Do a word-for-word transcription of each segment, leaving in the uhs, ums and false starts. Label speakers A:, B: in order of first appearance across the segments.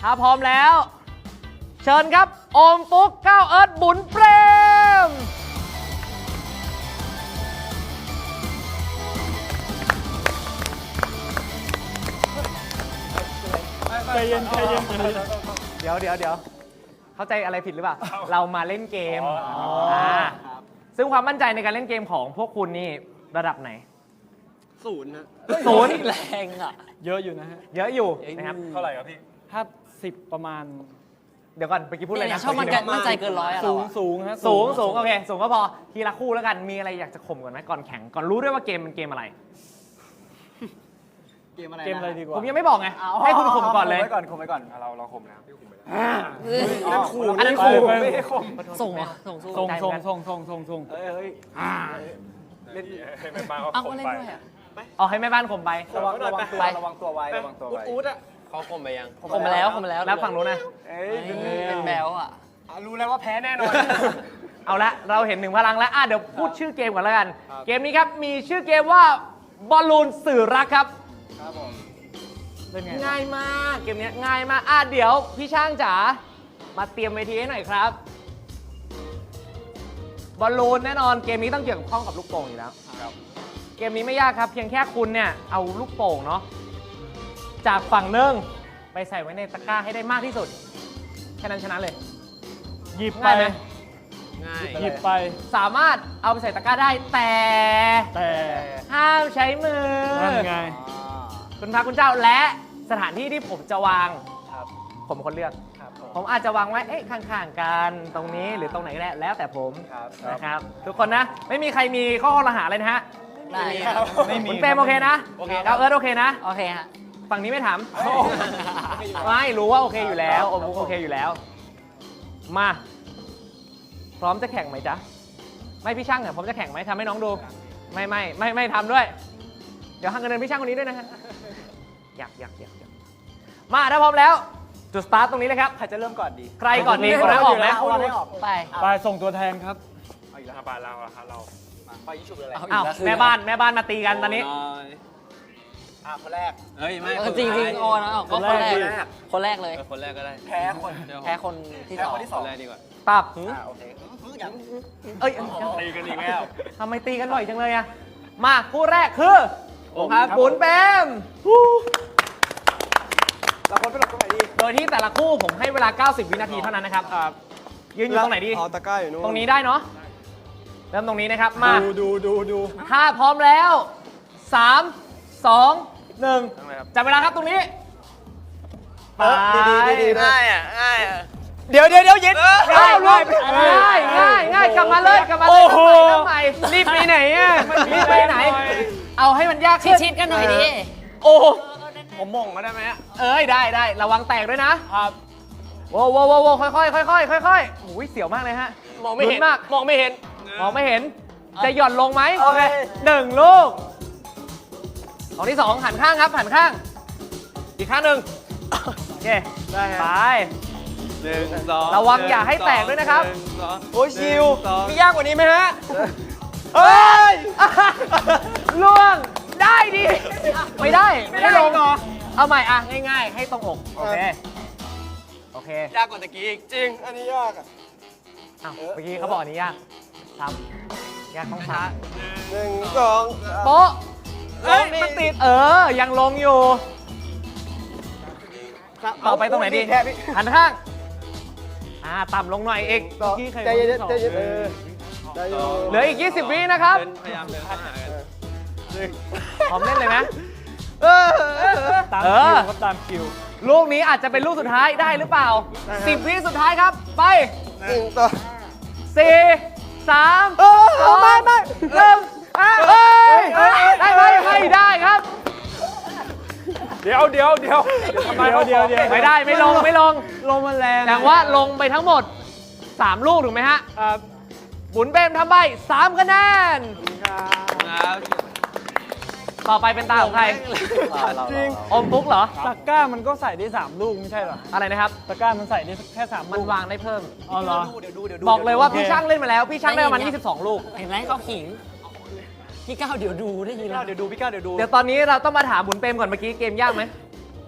A: ถ้าพร้อมแล้ว เชิญครับโอมปุ๊กก้าวเอิร์ธบุญเปรม
B: ใจเย็นใจเย็น
A: เดี๋ยวเดี๋ยวเดี๋ยวเข้าใจอะไรผิดหรือเปล่า เรามาเล่นเกมอ่าซึ่งความมั่นใจในการเล่นเกมของพวกคุณนี่ระดับไหน
C: ศูนย์นะ
A: ศูนย์
D: แรงอ่ะ
B: เยอะอยู่นะฮะ
A: เยอะอยู่นะครับ
C: เท่าไหร่ครับพี่
B: ถ้าสิบประมาณ
A: เดี๋ยวก่อนเมื่อกี้พูดอะไร
D: เนี่ย
A: นะ
D: ชอบมันกันมั่นใจเกินร้อยอะ
B: สู
D: เรา
B: ง
D: อะ
B: สูงฮะ
A: สูงสูงโอเคสูงก็พอทีละคู่แล้วกันมีอะไรอยากจะข่มก่อนไหมก่อนแข่งก่อนรู้ด้วยว่าเกมมันเกมอะไร
C: เกมอะไร
B: เกมอะไรดีกว่า
A: ผมยังไม่บอกไงให้คุณข่มก่อนเลย
C: ข่มไว้ก่อนข่มไว้ก่อนเราเราข่มแล้วพี่ข่มไปแล้ว
A: นั่นขู่อันนั้นขู่
B: ไป
C: ไม่ได้ข่ม
D: ส่งเหรอส่งสู้
B: ส่งส่งส่งส่งส่งส่ง
C: เฮ้ยเฮ้ยเล่นให้แม่บ้าน
D: เอา
C: เขา
D: ก็
C: ข่ม
D: เล่น
C: ไป
D: ด้วยอ่ะ
A: เอาให้แม่บ้านข่มไป
C: ระวังระวังตัว
D: ไป
C: ระวังตัวไว้ระวังตัวไว้อู๊ดอ่ะ
E: เขาข่มไปยัง
D: ผมมาแล้วผมมาแล้ว
A: แล้วฝั่งนู้นนะ
C: เอ้ย
D: เป็นแบลอ่ะ
C: รู้แล้วว่าแพ้แน่นอน
A: เอาละเราเห็นหนึ่งพลังแล้วอ่ะเดี๋ยวพูดชื่อเกมก่อนแล้วกัน เกมนี้ครับมีชื่อเกมว่าบอลลูนสื่อรักครับ
C: ครับผม
B: เป็นไง
A: ง่ายมากเกมนี้ง่ายมากอ่ะเดี๋ยวพี่ช่างจ๋ามาเตรียมเวทีให้หน่อยครับบอลลูนแน่นอนเกมนี้ต้องเกี่ยวกับข้องกับลูกโป่งอยู่แล้วเกมนี้ไม่ยากครับเพียงแค่คุณเนี่ยเอาลูกโป่งเนาะจากฝั่งหนึ่งไปใส่ไว้ในตะกร้าให้ได้มากที่สุดแค่นั้นชนะเลย
B: หยิบไป
A: ง่ายไหม
E: ง่าย
B: หยิบไป
A: สามารถเอาไปใส่ตะกร้าได้แต่
B: แต่
A: ห้ามใช้มือ
B: นั่นไง
A: คุณพระคุณเจ้าและสถานที่ที่ผมจะวาง
C: ครับ
A: ผมเป็นคนเลือก
C: ครับผม
A: ผมอาจจะวางไว้เอ๊ะข้างๆกันตรงนี้หรือตรงไหนก็ได้แล้วแต่ผม
C: ครับ
A: นะครับทุกคนนะไม่มีใครมีข้อรหาเลยนะฮะ
D: ได้
B: ไม่มี
A: คุณเปรมโอเคนะ
E: โอเค
A: เราเอิร์ธโอเคนะ
D: โอเคฮะ
A: ฝั่งนี้ไม่ถามไม่รู้ว่าโอเคอยู่แล้วโอมโอเคอยู่แล้ว มาพร้อมจะแข่งไหมจ๊ะไม่พี่ช่างเนี่ยพร้อมจะแข่งไหมทำให้น้องดูไม่ไม่ไม่ไม่ทำด้วย เดี๋ยวหักเงินเดือนพี่ช่างคนนี้ด้วยนะฮะอยากอยากอยากอยากมาถ้าพร้อมแล้วจุดสตาร์ทตรงนี้เลยครับ
C: ใครจะเริ่มก่อนดี
A: ใครก่อนดีคนนั้นออกไหม
C: เอาให้ออก
D: ไป
B: ไปส่งตัวแทนครับ
C: เอาอีกแล้วบานเราอะครับเราไปยี่ชุบเลย
D: เอา
A: อ้าวแม่บ้านแม่บ้านมาตีกันตอนนี้
C: อ่ะคนแรก
E: เฮ้ย ไม่
D: เออจริงจริงๆโอ้นะเอาก็คนแรก คนแรกเลย
E: เออคนแรกก็ได้
C: แพ้คน
E: เดี๋ยว
D: แพ้คนที่
C: แพ้
D: สอง
C: คนที่ส
E: ค
C: อง
E: นแรกดีกว่า
A: ตับ
C: อ่าโอเคอย่าง
A: เอ้ย
C: ตีกันอีกแล้ว
A: ทำไมตีกันบ่อยจังเลยอะมาคู่แรกคือ
E: โอ้
A: ครับบุญแปม
C: เราคนไปหลบตรงไหนดี
A: โดยที่แต่ละคู่ผมให้เวลา เก้าสิบ วินาทีเท่านั้นนะครับยืนอยู่ตรงไหนดี
C: เอาตะกร้าอยู่นู่น
A: ตรงนี้ได้เนาะเริ่มตรงนี้นะครับมา
B: ดูดูดูดู
A: ถ้าพร้อมแล้วสาม สอง หนึ่งจับเวลาครับตรงนี้ไป
C: ดีดีดีนะ
E: ง่ายอ่ะ ง่ายอ่ะ
C: เดี๋ยวเดี๋ยวเดี๋ยวยิด
A: ง่ายง่ายง่ายง่ายง่ายกลับมาเลยกลับมาเลยเริ่มใหม่รีบไปไหนอ่ะรีบไปไหน เอาให้มันยาก
D: ชิ
A: ขึ้
D: ด
A: น
D: ชิดๆกันหน่อยดิ
A: โอ้
C: ผมมงมาได้ไหม
A: เอ้ยได้ได้ระวังแตกด้วยนะครับโว้โว้โว้โว้ค่อยค่อยค่อยค่อยค่อยค่อยโอ้ยเสียวมากเลยฮะ
E: มองไม่เห็น
A: ลุ้มาก
E: มองไม่เห็น
A: มองไม่เห็นจะหย่อนลงไหม
C: โอเค
A: หนึ่งลูกของที่สองหันข้างครับหันข้าง อีกข้างหนึ่งโอเคได้ไป
E: หนึ่งสอง
A: ระวังอย่าให้แตกด้วยนะครับ
E: หงสอง
C: โอ้ยชิว
E: หนึ่งสอง
C: มียากกว่านี้ไหมฮะ
A: เฮ้ยล่วงได้ดิไม่ได้ไม่ได้ลงเอาใหม่อ่ะง่ายๆ ให้ตรงอกโอเคโอเค
E: ยากกว่าตะกี้อีก
C: จริง อันนี้ยากอ่ะ
A: อ้าวเมื่อกี้เขาบอกอันนี้ยากซ้ำยากต้องซ้
C: หนึ่งสอง
A: ำโป๊ะเอ้ยมันติดเออยังลงอยู่ ต่อไปตรงไหนดี
C: แพ้พี่
A: หันข้างอ่าต่ำลงหน่อยอีก
C: ต่อใจเย็นๆใจเย็นๆเออได้อยู่
A: เหลืออีก ยี่สิบ วินะครับ
E: เดินพยายามเดินเข้าหากัน
A: พร้อมเล่นเลยไหม
C: เออ
B: ตาม
A: เอ
B: คิ
A: อ
B: วครับตามคิว
A: ลูกนี้อาจจะเป็นลูกสุดท้ายได้หรือเปล่า สิบ วิสุดท้ายครับ ไป
C: หนึ่งต่อ
A: สี่ สาม
C: เออ
A: สอง
C: ไม่ไม่
A: หนึ่งอ่ะเอ้ยได้ไหมไม่ได้ครับ
C: เดี๋ยวเดี๋ยวเดี๋ยว
B: ทำไมเดี๋ยวเดี๋ยว
A: ไม่ได้ไม่ลงไม่ลง
B: ลมมันแรง
A: แต่ว่าลงไปทั้งหมด สาม ลูกถูกไหมฮะ
B: ครับ
A: บุญเบมทำใบสามคะแนน
E: ครับ
A: ต่อไปเป็นตาของใคร
B: จริง
A: อมปุ๊กเหรอ
B: ตะกร้ามันก็ใส่ได้สามลูกไม่ใช่เหรอ
A: อะไรนะครับ
B: ตะกร้ามันใส่ได้แค่สาม
A: มัน
B: ลูก
A: วางได้เพิ่ม
B: อ๋อเหรอ
C: เดี๋ยวดูเดี๋ยวดู
A: บอกเลยว่า
B: โอเค
A: พี่ช่างเล่นมาแล้ว พี่ช่างได้ประมาณยี่สิบสอง ลูก
D: เห็นไหมเขาขิง พี่ก้าวเดี๋ยวดูได้ยิน
C: พี่ก้าวเดี๋ยวดูพี่ก้าวเดี๋ยวดู
A: เดี๋ยวตอนนี้เราต้องมาถามบุญเปรมก่อนเมื่อกี้เกมยากไหม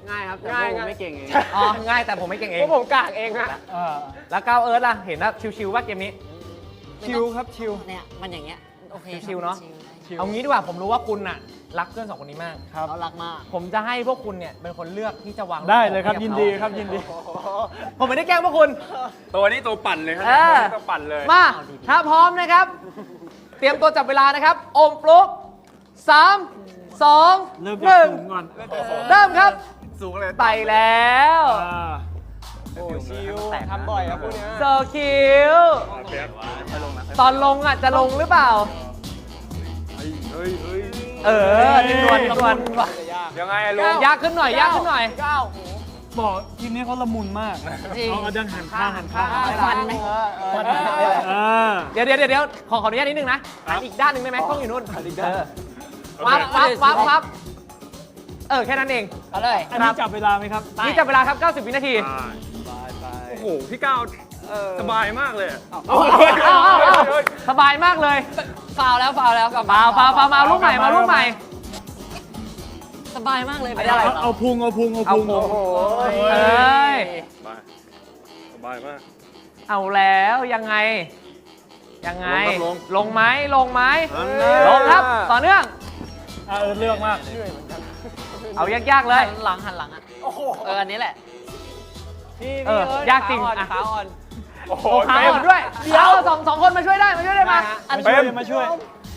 C: ง่ายครับ
B: ง่าย
C: แต่ผม
B: ง่าย
C: ไม่เก่งเอง
A: อ๋อ ง่ายแต่ผมไม่เก่งเอง
C: เพราะผมกากเองฮะ
B: อ่า
A: แล้วก้าวเอิร์ธล่ะ เห็นว่าชิวๆว่าเกมนี้
B: ชิวครับชิว
D: เนี่ยมันอย่างเงี้ยโอเค
A: ชิวๆเนอะ
B: ชิว
A: เอางี้ดีกว่าผมรู้ว่าคุณน่ะ รักเพื่อนสองคนนี้มาก
B: ครับ
D: เรารักมาก
A: ผมจะให้พวกคุณเนี่ยเป็นคนเลือกที่จะวาง
B: ได้เลยครับ
A: ให้
B: ยิ
A: กับ
B: นดี
A: เขา
B: ครับยินดี
A: ผมไม่ได้แกล้งพวกคุณ
E: ตัวนี้ตัวปั่นเลยครับ
A: เออ
E: ตัวปั่นเลย
A: มา ถ้าพร้อมนะครับ เตรียมตัวจับเวลานะครับ โอมปลุกสามสอง
B: เริ่ม
A: ห
B: จาก
A: นึ่ง
B: สูงก่อน
A: เริ่มครับ
E: สูงเลย
A: ไปแล้ว
B: อ่า
C: โอ้ชิวทำบ่อยครับพวกเนี้ย
A: โซคิวตอนลงอ่ะ จะลงหรือเปล่า
E: เฮ้ยเฮ้ย
A: เออนิ่มนวลนิ่มนวล
E: ยังไงอะลุง
A: ยากขึ้นหน่อย ยากขึ้นหน่อย
B: บอกทีมนี้เขาละมุนมาก
D: จริง
B: เอาเอาดังหันข้างหันข้าง
D: ฟันไหม
B: ฟันอ่า
A: เดี๋ยวเดี๋ยวเดี๋ยวขอขออนุญาตนิดนึงนะหันอีกด้านหนึ่งได้ไหมกล้องอยู่นู่นเออวับวับวับวับเออ แค่นั้นเอง
D: เอาเลย
B: อันนี้จับเวลาไหมครับ
A: นี่จับเวลาครับ เก้าสิบ วินาที
E: โอ้โห พี่ก้าวสบายมากเลย
A: เอาเอาเอาสบายมากเลย
D: ฟาวแล้วฟาวแล้วกลับ
A: เปล่าเปล่าเปล่ามาเอาลูกใหม่มาเอาลูกใหม่
D: สบายมากเลย
B: เอาเอาพุงเอาพุงเอาพุง
A: เอาพุง เอ้ย
E: สบายมาก
A: เอาแล้วยังไง ยังไง
E: ลง
A: ลงไหมลงไหม
E: ลง
A: ลงครับ ต่อเนื่อง
B: อ่าเออเลือกมาก
A: เอายากๆเลย
D: หันหลังหันหลังอ่ะเอออันนี้แหละ
A: เออยากจริงอ่ะ
C: ขาอ่อน
E: โอ้โห
A: โอ้ขาอ่อนด้วย เดี๋ยวสองสองคนมาช่วยได้มาช่วยได้มา
B: มาช่วยมาช่วย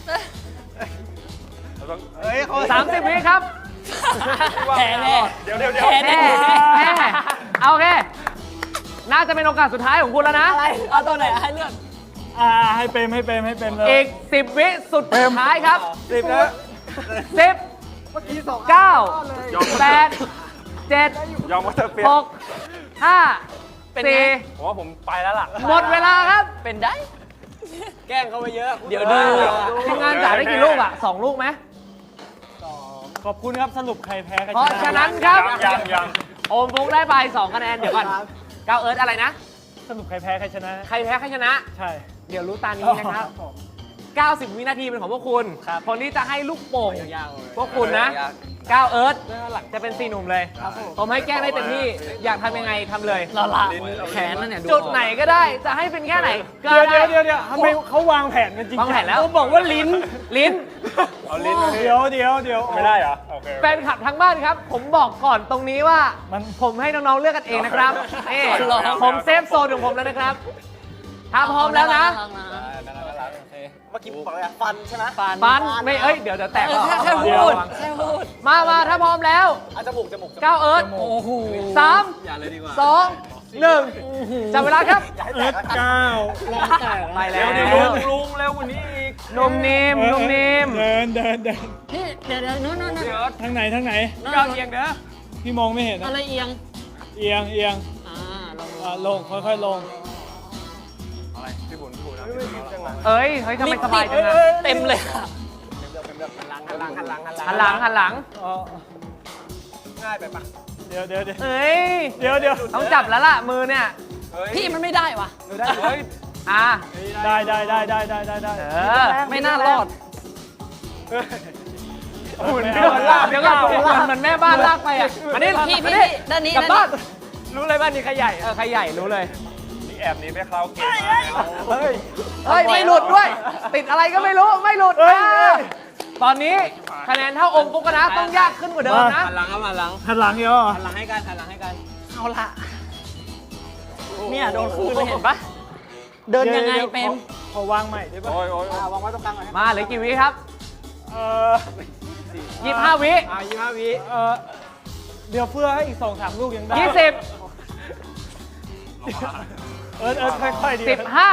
C: เฮ้ยเขา
A: สามสิบวิครับ
D: แพ้แน่
E: เดี๋ยวเดี๋ยวเดี๋ยว
D: แพ้
A: แน่แน่เอาโอเค น่าจะเป็นโอกาสสุดท้ายของคุณแล้วนะ
D: เอาตัวไหนให้เลือก
B: อ่าให้เปรมให้เปรมให้เปรมเลย
A: อีกสิบวิสุดท้ายครับ
C: สิบนะ
A: สิบ
C: เมื่อกี้สอง
A: เก้าแปดเจ็ด
E: ยอมว่าเธอเปลี่ยน
A: หกห้า
D: เป็นไง
A: สี่
E: ผมว่าผมไปแล้วล่ะ
A: หมดเวลาครับ
D: เป็นได้
C: แกล้งเขาไปเยอะ
D: เดี๋ยวดู
A: ทีมงานจ่ายได้กี่ลูกอ่ะสองลูกไหม
B: ขอบคุณครับสรุปใครแพ้ใครช
A: เพราะ
B: นะ
A: ฉะนั้นครับ
E: ยังยัง
A: โอมฟุกได้ไปสองคะแนน เดี๋ยวก่อนก้าวเอิร์ธอะไรนะ
B: สรุปใครแพ้ใครชนะ
A: ใครแพ้ใครชนะ
B: ใช่
A: เดี๋ยวรู้ตานี้นะครับ เก้าสิบ วินาทีเป็นของพวกคุณ คนที่จะให้ลูกโป่งพวกคุณนะก้าวเอิร์ธจะเป็นสี่หนุ่มเลย ผมให้แกล้งได้เต็มที่ อยากทำยังไงทำเลย
D: เราละแขนนั่นเนี่ย
A: จุดไหนก็ได้ จะให้เป็นแค่ไหนก็
B: เดี๋ยว
A: ได้
B: เดี๋ยวเดี๋ยวเดี๋ยวทำไมเขาวางแผนกันจริง
A: วางแผนแล้ว
B: เขาบอกว่าลิ้น
A: ลิ้น
E: เอาลิ้นมา
B: เดี๋ยวเดี๋ยวเดี๋ยว
E: ไม่ได้เหรอ โอเค
A: แฟนคลับทั้งบ้านครับ ผมบอกก่อนตรงนี้ว่า
B: มัน
A: ผมให้น้องๆเลือกกันเองนะครับนี่ผมเซฟโซนของผมแล้วนะครับ ถ้าพร้อมแล้วนะ
C: เมื่อกี้ผมบอกอะไรอะฟันใช่ไหม
D: ฟัน
A: ฟันไม่เอ้ยเดี๋ยวเดี๋ยวแตก
D: เออแค่แค่
A: เดี๋ยว
D: พูด
A: ระวัง
D: แค่พูด
A: มามาถ้าพร้อมแล้ว
C: อ่ะจมูกจมูกจมูก
A: ก้าวเอิร์ธ
D: โอ้โห
A: สาม
E: อย่าเลยดีกว่า
A: สองหนึ่งจับเวลาครับ
B: เอิร์ธเก้า
A: ไปแล้
E: เดี๋
A: ว
E: ยวเดี๋ยวลุงลุงเร็วกว่านี้อีก
A: นุ่มนิ่มนุ่มนิ่ม
B: เดินเดินเดิน
D: พี่เดี๋ยวเดี๋ยวนู้นนู้นนู้น
E: เดี๋ยว
B: ทางไหนทางไหน
A: ก้าวเอียงเด้อ
B: พี่มองไม่เห็นนะ
D: อะไรเอียง
B: เอียงเอียง
D: อ่าลอง
B: อ่าลงค่อยๆลง
E: อะไรพี่บุญพูดนะ
A: เอ้ยเฮ้ยทำไมสบายจังอะ
D: เต็มเลยอะ
C: หันหลังหันหลังหันหลัง
A: หันหลังหันหลัง
B: อ๋อ
C: ง่ายไปปะ
B: เดี๋ยวเดี๋ยวเดี๋ยว
A: เอ้ย
B: เดี๋ยวเดี๋ยว
A: ต้องจับแล้วล่ะมือเนี่ย
D: พี่มันไม่ได้วะ
E: เฮ้ย
A: อ่ะ
B: ได้ได้ได้ได้ได้ได้ได้
A: เออ
D: ไม่น่ารอด
B: หุ่น
A: เดี๋ยวก่อนลากเดี๋ยวก่อนเหมือนแม่บ้านลากไปอ่ะมานี่
D: พี่
A: มา
D: พี่
A: นี่
D: ด้านนี้
A: กลับ
D: ด้าน
A: บ้า
D: นี้
A: นรู้เลยบ้านนี้ใครใหญ่เออใครใหญ่รู้เลย
E: นี่แอบหนี้ไปคราวเกมมาแล้ว
B: เฮ้ย
A: เฮ้ยไม่หลุดด้วย ติดอะไรก็ไม่รู้ไม่หลุด
B: เฮ้ย
A: อ่ะ
B: เฮ้ย
A: ตอนนี้คะแนนเท่าอมปุ๊กนะต้องยากขึ้นกว่าเดิมนะ
C: หันหลังครับหันหลัง
B: หันหลังเดี๋ยวเหรอ
C: หันหลังให้กันหันหลังให้กัน
D: เอาละเนี่ยโดนคืนเลยเห็นปะเดินยังไง
B: ดี๋ว
D: เป็น
B: ขอขอวางใหม่ได้ปะ
E: โอ้ยโอ้ย
C: อ่าวางไว้ตรงกลางหน่อย
A: มาเหลือกี่วิครับ
B: เออ
A: ยี่สิบห้าวิ
C: อ่ายี่สิบห้าวิ
B: เออเดี๋ยวเพื่อให้อีกสองสามลูกยังได้
A: ยี่สิบ
B: เออเออค่อยๆดี
A: สิบห้า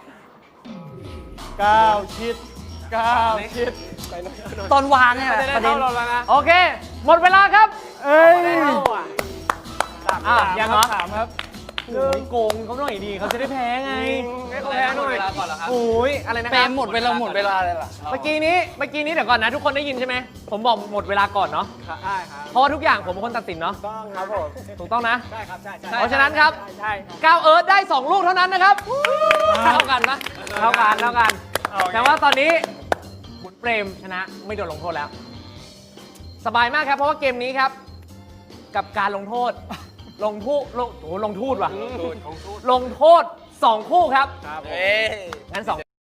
B: เก้าชิดเก้าชิด
D: ตอนวางเนี่ยแหละประเด็น
A: โอเค หมดเวลาครับ
B: เอ้ย
A: อ่ะยังเหรอ
B: สามครับ
A: โอ้ยโกงเขาหน่อยดีเขาจะได้แพ้ไง
C: ให้เขาแพ้หน่อย
A: โอ้ยอะไรนะค
D: เป็
A: รับ
D: นหมดเวลาหมดเวลาเลยล่ะ
A: เมื่อกี้นี้เมื่อกี้นี้เดี๋ยวก่อนนะทุกคนได้ยินใช่ไหมผมบอกหมดเวลาก่อนเนาะ
C: ได้ครับ
A: เพราะว่าทุกอย่างผมเป็นคนตัดสินเนาะ
C: ต้องครับผม
A: ถูกต้องนะ
C: ใช่ครับใช่ใช่
A: เพราะฉะนั้นครับ
C: ใช่
A: ก้าวเอิร์ธได้สองลูกเท่านั้นนะครับเท่ากันปะเท่ากันเท่ากัน แต่ว่าตอนนี้คุณเปรมชนะไม่โดนลงโทษแล้ว สบายมากครับเพราะว่าเกมนี้ครับกับการลงโทษ ลงโทษลงโอ้โหลงโทษว่ะลงโทษสองคู่ครับ
C: เอ้ย
A: งั้นสอง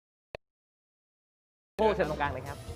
A: คู่เชิญตรงกลางเลยครับ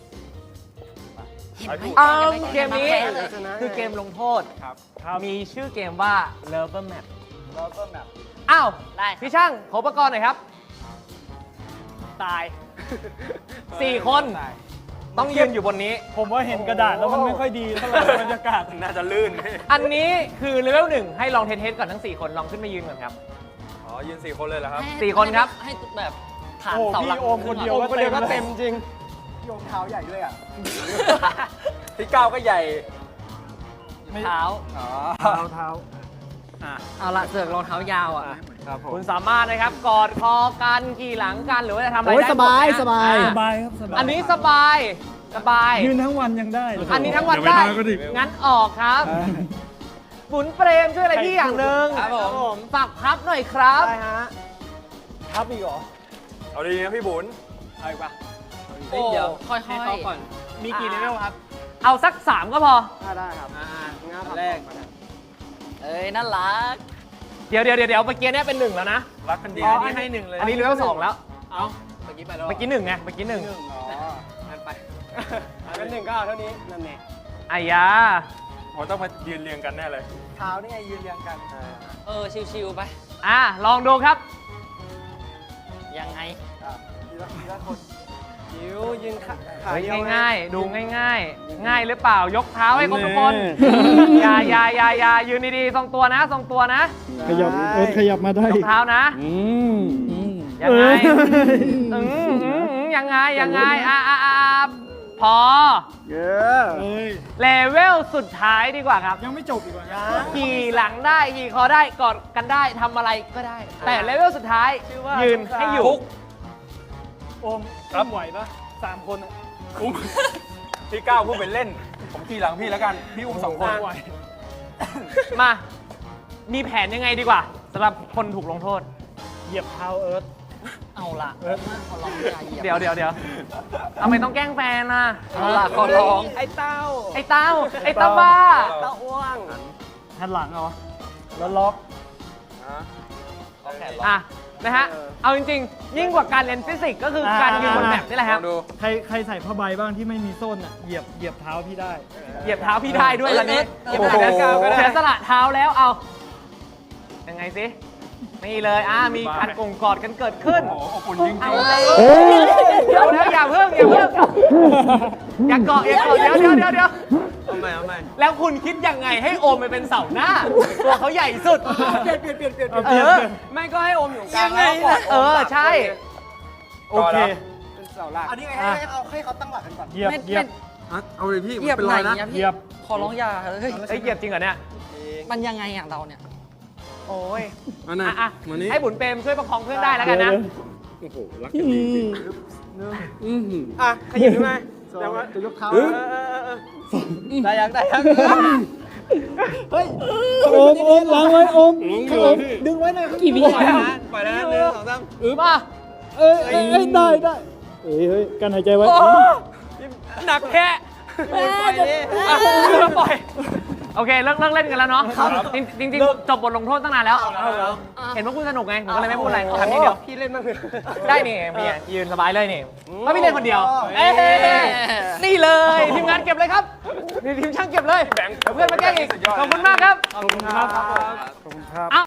A: อ้าวเกมนี้คือเกมลงโทษมีชื่อเกมว่า Lover Map
C: เราก็แบบ
A: อ้าว
D: ได้
A: พี่ช่างขออุปกรณ์หน่อยครับ
D: ตาย
A: สี่คนต้องยืนอยู่บนนี้
B: ผมว่าเห็นกระดาษแล้วมันไม่ค่อยดีเท่าไหร่บรรยากาศ
C: น่าจะลื่น
A: อันนี้คือเลเวลหนึ่งให้ลองเทสๆก่อนทั้งสี่คนลองขึ้นมายืนก่อนครับ
E: อ๋อ ยืนสี่คนเลยเหรอครับ
A: สี่คนครับ
D: ให้แบบฐาน
B: โอ้
D: เสาหลัก
B: พี่โอมคนเดียว
D: ขึ้
B: ก็
D: ก่อ
B: เดียวก็เต็มจริง
C: โยงเท้าใหญ่ด้วยอ่ะ
E: ที่เก้าก็ใหญ่
D: เท้า
C: อ๋อ
B: เท้าเท้า
D: เอาละเสือกรองเท้ายาวอ่ะ
B: ครับผม
A: คุณสามารถนะครับกอดคอกันขี่หลังกันหรือว่าจะทำอะไร
F: โอ้ย
A: ได้
F: สบาย
A: หมดนะ
F: สบาย
A: อ่ะ
B: สบายครับสบาย
A: อันนี้สบายสบาย
B: ยืนทั้งวันยังได้เลย
A: อันนี้ทั้งวันได้งั้นออกครับ
B: อ่า
A: บุญเปรมช่วยอะไรพี่อย่างหนึ่ง
D: ครับผม
A: ฝากพับหน่อยครับ
C: ได้ฮะ
B: ครับอีกเหรอ
E: เอาดีนะพี่บุญ
C: เอาอีกปะ
D: โอ้เดี๋ยวค่อยๆ
C: ให้เขาก่อน มีกี่เลเวลครับ
A: เอาสักสามก็พอ
C: ได้ครับอ่างั้นแรก
D: เอ้ยน่ารัก
A: เดี๋ยวเดี๋ยวเดี๋ยวเดี๋ยวเมื่อกี้เนี่ยเป็นหนึ่งแล้วนะ
E: รักกันดี
C: อ๋อ
E: นะ
C: อันนี้ให้หนึ่งเลย
A: อันนี้เลเวลสองแล้ว
C: เอาเมื่อกี้ไปแล้ว
A: เมื่อกี้หนึ่งไงเมื่อกี้หนึ่ง
C: หนึ่งอ๋องั้นไปงั้นหนึ่งก็เอาเท่านี้นั่นเอง
A: อายา
E: ผมต้องมายืนเรียงกันแน่เลย
C: เท้านี่ไงยืนเรียงกัน
D: เออ ชิวๆไป
A: อ่ะลองดูครับ
D: ยังไง
C: อ่ะทีละทีละคนยิวยืนขาขา
A: เฮ้ย
C: เดียว
A: ง่ายๆ ดูง่ายๆ ง่ายหรือเปล่ายกเท้าให้ครบทุกคน อย่าอย่าอย่าอย่ายืนดีๆทรงตัวนะทรงตัวนะ
F: ขยับเออขยับมาได้
A: ยกเท้านะ
F: อืมอืม
A: ยังไง
F: เอ้ย
A: อืมอืมอืมยังไงยังไงอ่ะอ่ะอ่ะอ่ะพอ
C: เยอะ
B: เอ้ย
A: เลเวลสุดท้ายดีกว่าครับ
B: ยังไม่จบอีกเหรอ
A: ขี่หลังได้ขี่คอได้กอดกันได้ทำอะไรก็ได้ แต่เลเวลสุดท้าย
C: ชื่อว่า
A: ยืนให้อยู่
B: โอมรับไหวปะสามคนอะ
E: อุ้มที่เก้าพูดเป็นเล่น ผมขี่หลังพี่แล้วกัน พี่อุ้มสองคน
B: ไหว
A: มา มีแผนยังไงดีกว่าสำหรับคนถูกลงโทษ
B: เหยียบเท้าเอิร์ธ
D: เอาละ
B: เอิร์ธ
D: ขอร้องอย่าเหยียบ
A: เดี๋ยวเดี๋ยวเดี๋ยวทำไมต้องแกล้งแฟนล่ะ
D: เอาละขอร้อง
C: ไอ้เต้า
A: ไอ้เต้า ไอ้เต้าบ้า
C: เต้าอ้วง
B: หันหลังเหรอแล้วล็อก
A: อ่ะ นะฮะ เอาจริงๆ ยิ่งกว่าการเรียนฟิสิกส์ก็คือการยืนบนแมปนี่แหละ
E: ล
A: ครั
E: อบ งดู
B: ใครใครใส่ผ้าใบบ้างที่ไม่มีส้นอ่ะเหยียบเหยียบเท้าพี่ได้
A: เหยียบเท้าพี่ได้ด้วยตอนนี้
D: เอ้ย
A: โอ้โห
D: เอ้ยเอ้ย
A: เสียสละเท้าแล้วเอา ยังไงสิ นี่เลย อ่ะ มีการกงกอดกันเกิดขึ้น
E: โอ้โหอบอุ่นจริง
A: เอา
E: ๆ
A: เลย
F: โอ้ย
A: เดี๋ยวนะอย่าเพิ่งอย่าเพิ่งอย่าเกาะอย่าเกาะเดี๋ยวเดี๋ยวเดี๋ยวเดี๋ยว
C: เอาใหม่เอาใหม่
A: แล้วคุณคิดยังไงให้โอมไปเป็นเสาหน้า ตัวเขาใหญ่สุด
C: เปลี่ยนเปลี่ยนเปลี่ยนเปลี่ยน
A: เออ
C: ไม่ก็ให้อมอยู่กลางแล้ว
A: เออ ใช่
B: โอเค
C: เป็นเสาหลักอันนี้ไงให้ให้เอาให้เขาตั้งหลักกันก่อน
B: เหยียบ
D: ไม่
B: เหยียบ
E: เอาเลยพี่
D: เหยียบไหนอะ
B: เห
D: พี่
B: ยียบ
D: ขอร้องอย่าเฮ้ย
A: เอ้ยเหยียบจริงเหรอเนี่ย
D: มันยังไงอ่ะเราเนี่ย
A: โอ้ย
E: อันนั้น
A: อ่ะอ่ะ
E: วันนี้
A: ให้บุญเปรมช่วยประคองเพื่อนได้แล้วกันนะ
E: โอ้โห รักกันดีจริง
C: อ่ะขยับขึ้นมาแต่ว่า
F: จะยกเท้า
C: เออเออเออเออได้ยังได้ยัง
F: เฮ้ยโอมโอมล้างไว้โอมข้างโอมดึงไว้หน่อยกี่วิ
C: ปล่อยนะปล่อยนะหนึ่งสองสาม
A: มา
F: เอ้ยเอ้ยเอ้ยได้ได้เอ้ยเฮ้ยกันหายใจไว้
A: โอ้หนักแค่
C: ปล่อยดิ
A: อ่ะปล่อย โอเค เลิกเลิกเล่นกันแล้วเนาะจริงจริงๆจบบทลงโทษตั้งนานแล้ว เห็นว่าคุณสนุกไง ผมก็เลยไม่พูดอะไรทำนี้เดียว
C: พี่เล่นบ้างเถอะ
A: ได้นี่พี่อ่ะยืนสบายเลยนี่เพราะพี่เล่นคนเดียว เอ้ยนี่เลย ทีมงานเก็บเลยครับนี่ทีมช่างเก็บเลยเดี๋ยวเพื่อนมาแกล้งอีก ขอบคุณมากครับ
B: ขอบคุณครับ ขอบคุณครับ